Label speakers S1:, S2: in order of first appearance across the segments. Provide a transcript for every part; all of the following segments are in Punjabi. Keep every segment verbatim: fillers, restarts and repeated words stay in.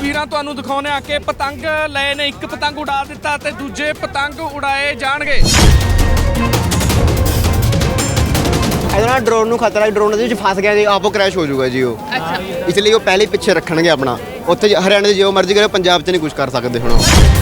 S1: ਤਸਵੀਰਾਂ ਤੁਹਾਨੂੰ ਦਿਖਾਉਂਦੇ ਆ ਕਿ ਪਤੰਗ ਲਏ ਨੇ, ਇੱਕ ਪਤੰਗ ਉਡਾ ਦਿੱਤਾ ਤੇ ਦੂਜੇ ਪਤੰਗ ਉਡਾਏ ਜਾਣਗੇ।
S2: ਇਹਦੇ ਨਾਲ ਡਰੋਨ ਨੂੰ ਖਤਰਾ ਹੈ, ਡਰੋਨ ਦੇ ਵਿੱਚ ਫਸ ਗਿਆ ਜੀ ਆਪੋ ਕ੍ਰੈਸ਼ ਹੋ ਜਾਊਗਾ ਜੀ ਉਹ।
S3: ਅੱਛਾ,
S2: ਇਸ ਲਈ ਉਹ ਪਹਿਲੇ ਹੀ ਪਿੱਛੇ ਰੱਖਣਗੇ ਆਪਣਾ। ਉੱਥੇ ਹਰਿਆਣੇ ਦੇ ਜੋ ਮਰਜ਼ੀ ਕਰੇ, ਪੰਜਾਬ 'ਚ ਨਹੀਂ ਕੁਝ ਕਰ ਸਕਦੇ ਹੁਣ।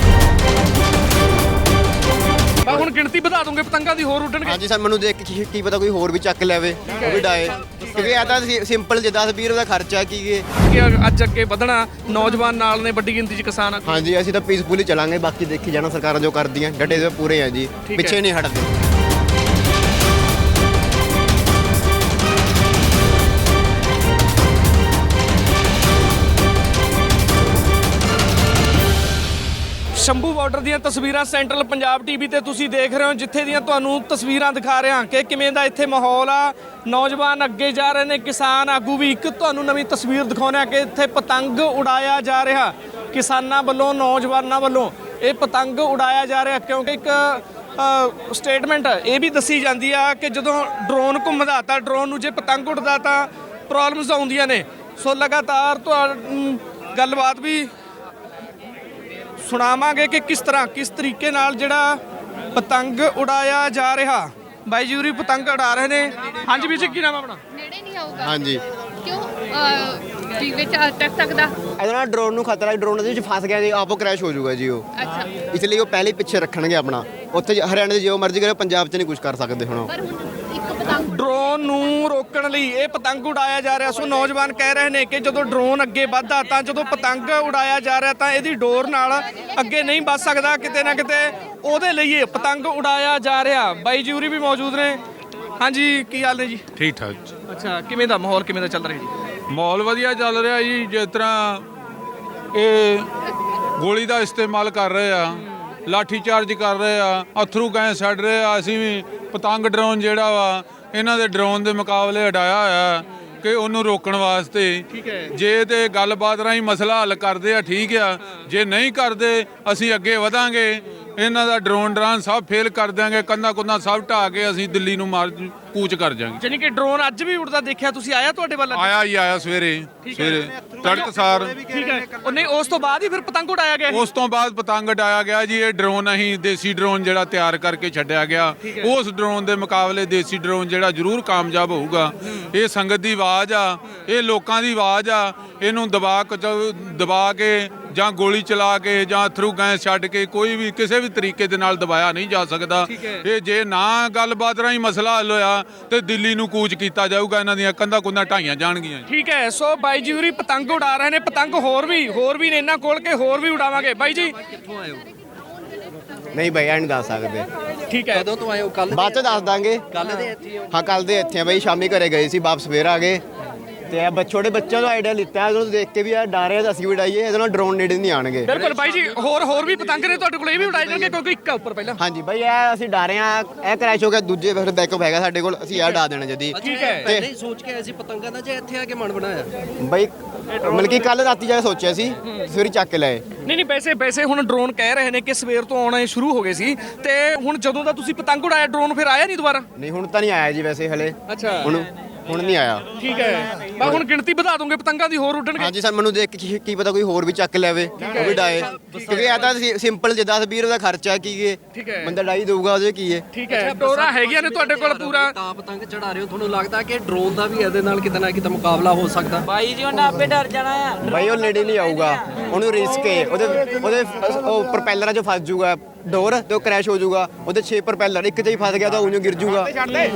S1: ਮੈਂ ਹੁਣ ਗਿਣਤੀ ਵਧਾ ਦੂੰਗੇ ਪਤੰਗਾਂ ਦੀ, ਹੋਰ ਉੱਡਣਗੇ।
S2: ਹਾਂਜੀ ਸਰ, ਮੈਨੂੰ ਦੇਖ ਕੇ ਕੀ ਪਤਾ ਕੋਈ ਹੋਰ ਵੀ ਚੱਕ ਲੈਵੇ, ਉਹ ਵੀ ਡਾਏ, ਕਿਉਂਕਿ ਇਹ ਤਾਂ ਸਿੰਪਲ ਜੇ ਦਸ ਵੀਹ ਰੁਪਏ ਦਾ ਖਰਚਾ ਕੀ ਹੈ
S1: ਕਿ ਅੱਜ ਅੱਗੇ ਵਧਣਾ, ਨੌਜਵਾਨ ਨਾਲ ਨੇ, ਵੱਡੀ ਗਿਣਤੀ 'ਚ ਕਿਸਾਨ ਆ।
S2: ਹਾਂਜੀ, ਅਸੀਂ ਤਾਂ ਪੀਸਫੁਲੀ ਚਲਾਂਗੇ, ਬਾਕੀ ਦੇਖੀ ਜਾਣਾ ਸਰਕਾਰਾਂ ਜੋ ਕਰਦੀਆਂ। ਡਟੇ ਦੇ ਪੂਰੇ ਆ ਜੀ, ਪਿੱਛੇ ਨਹੀਂ ਹਟਦੇ।
S1: ਸ਼ੰਭੂ ਬਾਰਡਰ ਦੀਆਂ ਤਸਵੀਰਾਂ ਸੈਂਟਰਲ ਪੰਜਾਬ ਟੀਵੀ ਤੇ ਤੁਸੀਂ ਦੇਖ ਰਹੇ ਹੋ, ਜਿੱਥੇ ਦੀਆਂ ਤੁਹਾਨੂੰ ਤਸਵੀਰਾਂ ਦਿਖਾ ਰਹੇ ਹਾਂ ਕਿ ਕਿਵੇਂ ਦਾ ਇੱਥੇ ਮਾਹੌਲ ਆ। ਨੌਜਵਾਨ ਅੱਗੇ ਜਾ ਰਹੇ ਨੇ, ਕਿਸਾਨ ਆਗੂ ਵੀ। ਇੱਕ ਤੁਹਾਨੂੰ ਨਵੀਂ ਤਸਵੀਰ ਦਿਖਾਉਂਦੇ ਆ ਕਿ ਇੱਥੇ ਪਤੰਗ ਉਡਾਇਆ ਜਾ ਰਿਹਾ, ਕਿਸਾਨਾਂ ਵੱਲੋਂ, ਨੌਜਵਾਨਾਂ ਵੱਲੋਂ ਇਹ ਪਤੰਗ ਉਡਾਇਆ ਜਾ ਰਿਹਾ। ਕਿਉਂਕਿ ਇੱਕ ਸਟੇਟਮੈਂਟ ਇਹ ਵੀ ਦੱਸੀ ਜਾਂਦੀ ਆ ਕਿ ਜਦੋਂ ਡਰੋਨ ਘੁੰਮਦਾ ਤਾਂ ਡਰੋਨ ਨੂੰ ਜੇ ਪਤੰਗ ਉੱਡਦਾ ਤਾਂ ਪ੍ਰੋਬਲਮਸ ਆਉਂਦੀਆਂ ਨੇ। ਸੋ ਲਗਾਤਾਰ ਤੁਹਾਨੂੰ ਗੱਲਬਾਤ ਵੀ ਸੁਣਾਵਾਂਗੇ ਕਿ ਕਿਸ ਤਰ੍ਹਾਂ ਕਿਸ ਤਰੀਕੇ ਨਾਲ ਜਿਹੜਾ ਪਤੰਗ ਉਡਾਇਆ ਜਾ ਰਿਹਾ। ਬਾਈ ਜੀ ਉਰੀ ਪਤੰਗ ਉਡਾ ਰਹੇ ਨੇ। ਹਾਂਜੀ ਵੀਰ ਜੀ, ਕੀ ਨਾਮ ਆਪਣਾ?
S3: ਨੇੜੇ ਨਹੀਂ ਆਊਗਾ।
S2: ਹਾਂਜੀ,
S3: ਕਿਉਂ ਜੀ ਵਿੱਚ ਅਟਕ ਸਕਦਾ?
S2: ਇਹਦੇ ਨਾਲ ਡਰੋਨ ਨੂੰ ਖਤਰਾ ਹੈ, ਡਰੋਨ ਦੇ ਵਿੱਚ ਫਸ ਗਿਆ ਜੀ ਆਪੋ ਕ੍ਰੈਸ਼ ਹੋ ਜਾਊਗਾ ਜੀ ਉਹ।
S3: ਅੱਛਾ,
S2: ਇਸ ਲਈ ਉਹ ਪਹਿਲੇ ਹੀ ਪਿੱਛੇ ਰੱਖਣਗੇ ਆਪਣਾ। ਉੱਥੇ ਹਰਿਆਣੇ ਦੇ ਜੋ ਮਰਜ਼ੀ ਕਰੇ, ਪੰਜਾਬ 'ਚ ਨਹੀਂ ਕੁਝ ਕਰ ਸਕਦੇ ਹੁਣ।
S3: ਪਰ ਹੁਣ ਇੱਕ ਪਤੰਗ
S1: ਡਰੋਨ ਨੂੰ ਰੋਕਣ ਲਈ ਇਹ ਪਤੰਗ ਉਡਾਇਆ ਜਾ ਰਿਹਾ। ਸੋ ਨੌਜਵਾਨ ਕਹਿ ਰਹੇ ਨੇ ਕਿ ਜਦੋਂ ਡਰੋਨ ਅੱਗੇ ਵੱਧਦਾ ਤਾਂ ਜਦੋਂ ਪਤੰਗ ਉਡਾਇਆ ਜਾ ਰਿਹਾ ਤਾਂ ਇਹਦੀ ਡੋਰ ਨਾਲ ਅੱਗੇ ਨਹੀਂ ਵੱਧ ਸਕਦਾ, ਕਿਤੇ ਨਾ ਕਿਤੇ ਉਹਦੇ ਲਈ ਇਹ ਪਤੰਗ ਉਡਾਇਆ ਜਾ ਰਿਹਾ। ਬਾਈ ਜੀ ਉਰੀ ਵੀ ਮੌਜੂਦ ਨੇ। ਹਾਂਜੀ, ਕੀ ਹਾਲ ਨੇ ਜੀ?
S4: ਠੀਕ ਠਾਕ ਜੀ।
S1: ਅੱਛਾ, ਕਿਵੇਂ ਦਾ ਮਾਹੌਲ ਕਿਵੇਂ ਦਾ ਚੱਲ ਰਿਹਾ ਜੀ?
S4: ਮਾਹੌਲ ਵਧੀਆ ਚੱਲ ਰਿਹਾ ਜੀ। ਜਿਸ ਤਰ੍ਹਾਂ ਇਹ ਗੋਲੀ ਦਾ ਇਸਤੇਮਾਲ ਕਰ ਰਹੇ ਆ, ਲਾਠੀ ਚਾਰਜ ਕਰ ਰਹੇ ਆ, ਅਥਰੂ ਗੈਸ ਛੱਡ ਰਹੇ ਆ। ਅਸੀਂ ਵੀ ਪਤੰਗ ਡਰੋਨ ਜਿਹੜਾ ਵਾ ਇਹਨਾਂ ਦੇ ਡਰੋਨ ਦੇ ਮੁਕਾਬਲੇ ਉਡਾਇਆ ਹੋਇਆ ਕਿ ਉਹਨੂੰ ਰੋਕਣ ਵਾਸਤੇ। ਜੇ ਤੇ ਗੱਲਬਾਤ ਰਾਹੀਂ ਮਸਲਾ ਹੱਲ ਕਰਦੇ ਆ ਠੀਕ ਆ, ਜੇ ਨਹੀਂ ਕਰਦੇ ਅਸੀਂ ਅੱਗੇ ਵਧਾਂਗੇ। ਇਹਨਾਂ ਦਾ ਡਰੋਨ ਡਰਾਨ ਸਭ ਫੇਲ ਕਰ ਦਿਆਂਗੇ, ਕੰਧਾਂ ਕੁੰਧਾਂ ਸਭ ਢਾਹ ਕੇ ਅਸੀਂ ਦਿੱਲੀ ਨੂੰ ਮਾਰ ਕੂਚ ਕਰ ਜਾਵਾਂਗੇ।
S1: ਜਾਨੀ ਕਿ ਡਰੋਨ ਅੱਜ ਵੀ ਉੜਦਾ ਦੇਖਿਆ ਤੁਸੀਂ? ਆਇਆ ਤੁਹਾਡੇ ਵੱਲ?
S4: ਆਇਆ ਹੀ ਆਇਆ ਸਵੇਰੇ ਸਵੇਰੇ ਤੜਕਸਾਰ।
S1: ਠੀਕ ਹੈ। ਉਹ ਨਹੀਂ, ਉਸ ਤੋਂ ਬਾਅਦ ਹੀ ਫਿਰ ਪਤੰਗ ਉਡਾਇਆ ਗਿਆ?
S4: ਉਸ ਤੋਂ ਬਾਅਦ ਪਤੰਗ ਉਡਾਇਆ ਗਿਆ ਜੀ। ਇਹ ਡਰੋਨ ਅਸੀਂ ਦੇਸੀ ਡਰੋਨ ਜਿਹੜਾ ਤਿਆਰ ਕਰਕੇ ਛੱਡਿਆ ਗਿਆ, ਉਸ ਡਰੋਨ ਦੇ ਮੁਕਾਬਲੇ ਦੇਸੀ ਡਰੋਨ ਜਿਹੜਾ ਜ਼ਰੂਰ ਕਾਮਯਾਬ ਹੋਊਗਾ। ਇਹ ਸੰਗਤ ਦੀ ਆਵਾਜ਼ ਆ, ਇਹ ਲੋਕਾਂ ਦੀ ਆਵਾਜ਼ ਆ। ਇਹਨੂੰ ਦਬਾ ਦਬਾ ਕੇ ਜਾਂ ਗੋਲੀ ਚਲਾ ਕੇ ਜਾਂ ਥਰੂ ਗੈਸ ਛੱਡ ਕੇ ਕੋਈ ਵੀ ਕਿਸੇ ਵੀ ਤਰੀਕੇ ਦੇ ਨਾਲ ਦਬਾਇਆ ਨਹੀਂ ਜਾ ਸਕਦਾ। ਇਹ ਜੇ ਨਾ ਗੱਲਬਾਤ ਰਾਹੀਂ ਮਸਲਾ ਹੱਲ ਹੋਇਆ ਤੇ ਦਿੱਲੀ ਨੂੰ ਕੂਚ ਕੀਤਾ ਜਾਊਗਾ, ਇਹਨਾਂ ਦੀਆਂ ਕੰਧਾਂ ਕੁੰਧਾਂ ਢਾਈਆਂ ਜਾਣਗੀਆਂ।
S1: ਠੀਕ ਹੈ। ਸੋ ਬਾਈ ਜੀ ਉਰੀ ਪਤੰਗ ਉਡਾ ਰਹੇ ਨੇ। ਪਤੰਗ ਹੋਰ ਵੀ ਹੋਰ ਵੀ ਨੇ ਇਹਨਾਂ ਕੋਲ ਕੇ ਹੋਰ ਵੀ ਉਡਾਵਾਂਗੇ। ਬਾਈ ਜੀ
S5: ਕਿੱਥੋਂ ਆਏ ਹੋ?
S2: ਨਹੀਂ ਭਾਈ, ਇਹ ਨਹੀਂ ਦੱਸ ਸਕਦੇ।
S1: ਠੀਕ ਹੈ।
S5: ਕਦੋਂ ਤੋਂ ਆਏ ਹੋ? ਕੱਲ
S2: ਬਾਅਦ 'ਚ ਦੱਸ ਦਾਂਗੇ।
S5: ਕੱਲ ਦੇ ਇੱਥੇ ਹੋ?
S2: ਹਾਂ, ਕੱਲ ਦੇ ਇੱਥੇ ਆ ਬਾਈ। ਸ਼ਾਮੀ ਘਰੇ ਗਏ ਸੀ, ਵਾਪਸ ਫੇਰ ਆ ਗਏ। ਤੇ ਇਹ ਛੋਟੇ ਬੱਚਿਆਂ ਤੋਂ ਆਈਡੀਆ ਲਿੱਤਾ, ਉਹਨੂੰ ਦੇਖ ਕੇ ਵੀ ਆ ਡਾਰੇ ਤਾਂ ਅਸੀਂ ਵੀ ਉਡਾਈਏ। ਇਹਦੇ ਨਾਲ ਡਰੋਨ ਨੇੜੇ ਨਹੀਂ ਆਣਗੇ।
S1: ਬਿਲਕੁਲ ਬਾਈ ਜੀ, ਹੋਰ ਹੋਰ ਵੀ ਪਤੰਗ ਨੇ ਤੁਹਾਡੇ ਕੋਲ, ਇਹ ਵੀ ਉਡਾਏ ਜਾਣਗੇ ਕਿਉਂਕਿ ਇੱਕ ਆ ਉੱਪਰ ਪਹਿਲਾਂ।
S2: ਹਾਂਜੀ ਬਾਈ, ਇਹ ਅਸੀਂ ਡਾਰੇ ਆ, ਇਹ ਕ੍ਰੈਸ਼ ਹੋ ਗਿਆ। ਦੂਜੇ ਫਿਰ ਬੈਕਅਪ ਹੈਗਾ ਸਾਡੇ ਕੋਲ, ਅਸੀਂ ਇਹ ਉਡਾ ਦੇਣਾ ਜਦੀ।
S1: ਠੀਕ ਹੈ।
S5: ਪਹਿਲੇ ਹੀ ਸੋਚ ਕੇ ਆਏ ਸੀ ਪਤੰਗਾਂ ਦਾ, ਜੇ ਇੱਥੇ ਆ ਕੇ ਮਨ ਬਣਾਇਆ?
S2: ਬਾਈ ਮਤਲਬ ਕਿ ਕੱਲ ਰਾਤੀ ਜਾ ਕੇ ਸੋਚਿਆ ਸੀ, ਸਵੇਰੇ ਚੱਕ ਕੇ ਲਏ।
S1: ਨਹੀਂ ਨਹੀਂ, ਵੈਸੇ ਵੈਸੇ ਹੁਣ ਡਰੋਨ ਕਹਿ ਰਹੇ ਨੇ ਕਿ ਸਵੇਰ ਤੋਂ ਆਉਣੇ ਸ਼ੁਰੂ ਹੋ ਗਏ ਸੀ, ਤੇ ਹੁਣ ਜਦੋਂ ਦਾ ਤੁਸੀਂ ਪਤੰਗ ਉਡਾਇਆ ਡਰੋਨ ਫਿਰ ਆਇਆ ਨਹੀਂ ਦੁਬਾਰਾ?
S2: ਨਹੀਂ, ਹੁਣ ਤਾਂ ਨਹੀਂ ਆਇਆ ਜੀ ਵੈਸੇ ਹਲੇ।
S1: ਅੱਛਾ,
S2: ਹੁਣ ਹੁਣ ਨਹੀਂ ਆਇਆ।
S1: ਠੀਕ ਹੈ। ਮੈਂ ਹੁਣ ਗਿਣਤੀ ਵਧਾ ਦੂੰਗੇ ਪਤੰਗਾਂ ਦੀ, ਹੋਰ ਉੱਡਣਗੇ।
S2: ਹਾਂਜੀ ਸਰ, ਮੈਨੂੰ ਦੇਖ ਕੇ ਕੀ ਪਤਾ ਕੋਈ ਹੋਰ ਵੀ ਚੱਕ ਲੈਵੇ, ਉਹ ਵੀ ਡਾਏ, ਕਿਉਂਕਿ ਇਹ ਤਾਂ ਸਿੰਪਲ ਜੇ ਦਸ ਵੀਹ ਰੁਪਏ ਦਾ ਖਰਚਾ ਕੀ ਹੈ, ਬੰਦਾ ਡਾਈ ਦੇਊਗਾ ਉਹਦੇ ਕੀ ਹੈ।
S1: ਠੀਕ ਹੈ। ਡੋਰਾ ਹੈਗੀਆਂ ਨੇ ਤੁਹਾਡੇ ਕੋਲ ਪੂਰਾ?
S5: ਤਾਂ ਪਤੰਗ ਚੜਾ ਰਹੇ ਹੋ, ਤੁਹਾਨੂੰ ਲੱਗਦਾ ਕਿ ਡਰੋਨ ਦਾ ਵੀ ਇਹਦੇ ਨਾਲ ਕਿਤੇ ਨਾ ਕਿਤੇ ਮੁਕਾਬਲਾ ਹੋ ਸਕਦਾ?
S6: ਬਾਈ ਜੀ ਉਹਨਾਂ ਆਪੇ ਡਰ ਜਾਣਾ ਆ।
S2: ਬਾਈ ਉਹ ਨੇੜੇ ਨਹੀਂ ਆਊਗਾ, ਉਹਨੂੰ ਰਿਸਕ ਹੈ। ਉਹਦੇ ਉਹਦੇ ਉਹ ਪ੍ਰੋਪੈਲਰਾਂ 'ਚ ਫਸ ਜਾਊਗਾ ਡੋਰ, ਤੇ ਉਹ ਕ੍ਰੈਸ਼ ਹੋ ਜਾਊਗਾ। ਉਹਦੇ ਛੇ ਪ੍ਰੋਪੈਲਰ, ਇੱਕ 'ਚ ਹੀ ਫਸ ਗਿਆ ਤਾਂ ਉਹਨੂੰ ਗਿਰ ਜਾਊਗਾ।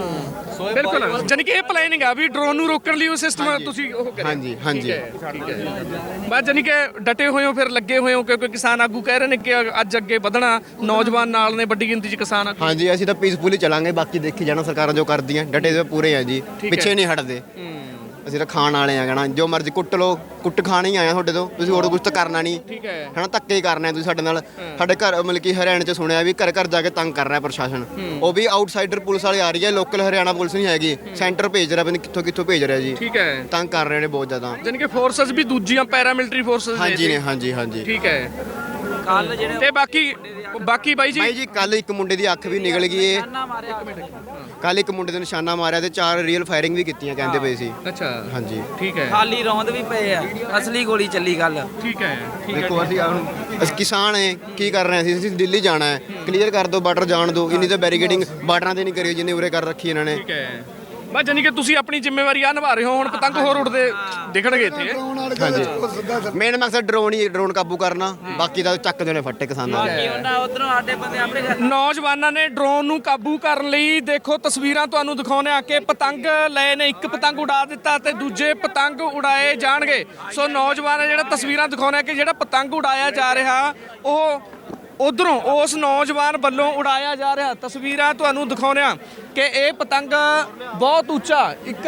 S1: ਬਿਲਕੁਲ। ਜਾਨੀ ਕਿ ਇਹ ਪਲਾਨਿੰਗ ਆ ਵੀ ਡਰੋਨ ਨੂੰ ਰੋਕਣ ਲਈ ਉਹ ਸਿਸਟਮ ਤੁਸੀਂ ਉਹ ਕਰਿਆ।
S2: ਹਾਂਜੀ ਹਾਂਜੀ,
S1: ਠੀਕ ਹੈ। ਬਸ ਜਾਨੀ ਕਿ ਡਟੇ ਹੋਏ ਹੋ, ਫਿਰ ਲੱਗੇ ਹੋਏ ਹੋ, ਕਿਉਂਕਿ ਕਿਸਾਨ ਆਗੂ ਕਹਿ ਰਹੇ ਨੇ ਕਿ ਅੱਜ ਅੱਗੇ ਵਧਣਾ, ਨੌਜਵਾਨ ਨਾਲ ਨੇ, ਵੱਡੀ ਗਿਣਤੀ 'ਚ ਕਿਸਾਨ ਆਗੂ।
S2: ਹਾਂਜੀ, ਅਸੀਂ ਤਾਂ ਪੀਸਫੁਲੀ ਚਲਾਂਗੇ, ਬਾਕੀ ਦੇਖੀ ਜਾਣਾ ਸਰਕਾਰਾਂ ਜੋ ਕਰਦੀਆਂ। ਡਟੇ ਦੇ ਪੂਰੇ ਆ ਜੀ, ਪਿੱਛੇ ਨਹੀਂ ਹਟਦੇ। ਅਸੀਂ ਤਾਂ ਖਾਣ ਵਾਲੇ ਆ, ਕਹਿਣਾ ਜੋ ਮਰਜ਼ੀ ਕੁੱਟ ਲੋ, ਕੁੱਟ ਖਾਣੀ ਆਇਆ ਤੁਹਾਡੇ ਤੋਂ, ਤੁਸੀਂ ਹੋਰ ਕੁਝ ਤਾਂ ਕਰਨਾ ਨਹੀਂ।
S1: ਠੀਕ ਹੈ।
S2: ਹਨਾ, ਧੱਕੇ ਹੀ ਕਰਨੇ ਤੁਸੀਂ ਸਾਡੇ ਨਾਲ। ਸਾਡੇ ਘਰ ਮਤਲਬ ਕਿ ਹਰਿਆਣੇ 'ਚ ਸੁਣਿਆ ਵੀ ਘਰ ਘਰ ਜਾ ਕੇ ਤੰਗ ਕਰ ਰਿਹਾ ਪ੍ਰਸ਼ਾਸਨ। ਉਹ ਵੀ ਆਊਟਸਾਈਡਰ ਪੁਲਿਸ ਵਾਲੇ ਆ ਰਹੀ ਹੈ, ਲੋਕਲ ਹਰਿਆਣਾ ਪੁਲਿਸ ਨਹੀਂ ਹੈਗੀ। ਸੈਂਟਰ ਭੇਜ ਰਿਹਾ, ਪਤਾ ਨਹੀਂ ਕਿੱਥੋਂ ਕਿੱਥੋਂ ਭੇਜ ਰਿਹਾ ਜੀ।
S1: ਠੀਕ ਹੈ।
S2: ਤੰਗ ਕਰ ਰਹੇ ਨੇ ਬਹੁਤ ਜ਼ਿਆਦਾ।
S1: ਜਾਨੀ ਕਿ ਫੋਰਸਸ ਵੀ ਦੂਜੀਆਂ ਪੈਰਾਮਿਲਟਰੀ ਫੋਰਸਸ
S2: ਹਾਂਜੀ ਨੇ, ਹਾਂਜੀ ਹਾਂਜੀ।
S1: ਠੀਕ ਹੈ।
S6: ਕੱਲ ਜਿਹੜੇ
S1: ਤੇ ਬਾਕੀ ਬਾਕੀ ਬਾਈ ਜੀ
S2: ਬਾਈ ਜੀ ਕੱਲ ਇੱਕ ਮੁੰਡੇ ਦੀ ਅੱਖ ਵੀ ਨਿਕਲ ਗਈ ਏ। ਕੱਲ ਇੱਕ ਮੁੰਡੇ ਦੇ ਨਿਸ਼ਾਨਾ ਮਾਰਿਆ ਤੇ ਚਾਰ ਰੀਅਲ ਫਾਇਰਿੰਗ ਵੀ ਕੀਤੀਆਂ ਕਹਿੰਦੇ ਪਏ ਸੀ।
S1: ਅੱਛਾ
S2: ਹਾਂਜੀ
S1: ਠੀਕ ਹੈ
S6: ਖਾਲੀ ਰੌਂਦ ਵੀ ਪਏ ਆ ਅਸਲੀ ਗੋਲੀ ਚੱਲੀ ਗੱਲ
S1: ਠੀਕ ਹੈ ਠੀਕ ਹੈ
S2: ਦੇਖੋ ਅਸੀਂ ਹੁਣ ਅਸੀਂ ਕਿਸਾਨ ਹੈ ਕੀ ਕਰ ਰਹੇ ਹਾਂ ਅਸੀਂ ਅਸੀਂ ਦਿੱਲੀ ਜਾਣਾ ਹੈ ਕਲੀਅਰ ਕਰ ਦਿਓ ਬਾਰਡਰ ਜਾਣ ਦਿਓ ਇੰਨੀ ਤਾਂ ਬੈਰੀਕੇਡਿੰਗ ਬਾਰਡਰਾਂ ਤੇ ਨਹੀਂ ਕਰੀ ਜਿੰਨੇ ਉਰੇ ਕਰ ਰੱਖੀ ਇਹਨਾਂ ਨੇ।
S1: ਠੀਕ ਹੈ ਬਸ ਜਾਨੀ ਕਿ ਤੁਸੀਂ ਆਪਣੀ ਜ਼ਿੰਮੇਵਾਰੀ ਆ ਨਿਭਾ ਰਹੇ ਹੋ ਹੁਣ ਪਤੰਗ ਹੋਰ ਉੱਡਦੇ ਦਿਖਣਗੇ ਇੱਥੇ
S2: ਹਾਂਜੀ ਮੇਨ ਮਕਸਦ ਡਰੋਨ ਹੀ ਡਰੋਨ ਕਾਬੂ ਕਰਨਾ ਬਾਕੀ ਦਾ ਚੱਕ ਦੇਣੇ ਫੱਟੇ ਕਿਸਾਨਾਂ ਦੇ।
S6: ਬਾਕੀ ਉਹਨਾਂ ਉਧਰੋਂ ਸਾਡੇ ਬੰਦੇ ਆਪਣੇ ਘਰ
S1: ਨੌਜਵਾਨਾਂ ਨੇ ਡਰੋਨ ਨੂੰ ਕਾਬੂ ਕਰਨ ਲਈ ਦੇਖੋ ਤਸਵੀਰਾਂ ਤੁਹਾਨੂੰ ਦਿਖਾਉਂਦੇ ਆ ਕਿ ਪਤੰਗ ਲਏ ਨੇ ਇੱਕ ਪਤੰਗ ਉਡਾ ਦਿੱਤਾ ਤੇ ਦੂਜੇ ਪਤੰਗ ਉਡਾਏ ਜਾਣਗੇ। ਸੋ ਨੌਜਵਾਨ ਜਿਹੜਾ ਤਸਵੀਰਾਂ ਦਿਖਾਉਂਦੇ ਆ ਕਿ ਜਿਹੜਾ ਪਤੰਗ ਉਡਾਇਆ ਜਾ ਰਿਹਾ ਉਹ ਉਧਰੋਂ ਉਸ ਨੌਜਵਾਨ ਵੱਲੋਂ ਉਡਾਇਆ ਜਾ ਰਿਹਾ। ਤਸਵੀਰਾਂ ਤੁਹਾਨੂੰ ਦਿਖਾਉਂਦੇ ਆ ਕਿ ਇਹ ਪਤੰਗ ਬਹੁਤ ਉੱਚਾ ਇੱਕ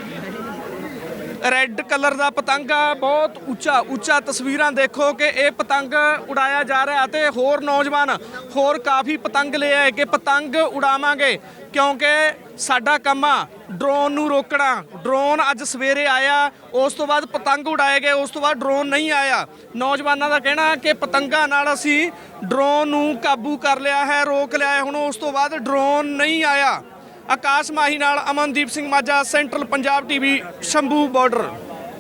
S1: ਰੈੱਡ ਕਲਰ ਦਾ ਪਤੰਗ ਆ ਬਹੁਤ ਉੱਚਾ ਉੱਚਾ। ਤਸਵੀਰਾਂ ਦੇਖੋ ਕਿ ਇਹ ਪਤੰਗ ਉਡਾਇਆ ਜਾ ਰਿਹਾ ਤੇ ਹੋਰ ਨੌਜਵਾਨ ਹੋਰ ਕਾਫੀ ਪਤੰਗ ਲੈ ਆਏ ਕਿ ਪਤੰਗ ਉਡਾਵਾਂਗੇ ਕਿਉਂਕਿ ਸਾਡਾ ਕੰਮ ਆ ਡਰੋਨ ਨੂੰ ਰੋਕਣਾ। ਡਰੋਨ ਅੱਜ ਸਵੇਰੇ ਆਇਆ ਉਸ ਤੋਂ ਬਾਅਦ ਪਤੰਗ ਉਡਾਏ ਗਏ ਉਸ ਤੋਂ ਬਾਅਦ ਡਰੋਨ ਨਹੀਂ ਆਇਆ। ਨੌਜਵਾਨਾਂ ਦਾ ਕਹਿਣਾ ਕਿ ਪਤੰਗਾਂ ਨਾਲ ਅਸੀਂ ਡਰੋਨ ਨੂੰ ਕਾਬੂ ਕਰ ਲਿਆ ਹੈ ਰੋਕ ਲਿਆ ਹੈ ਹੁਣ ਉਸ ਤੋਂ ਬਾਅਦ ਡਰੋਨ ਨਹੀਂ ਆਇਆ। ਆਕਾਸ਼ ਮਾਹੀ ਨਾਲ Amandeep Singh Majha central Punjab TV Shambhu border.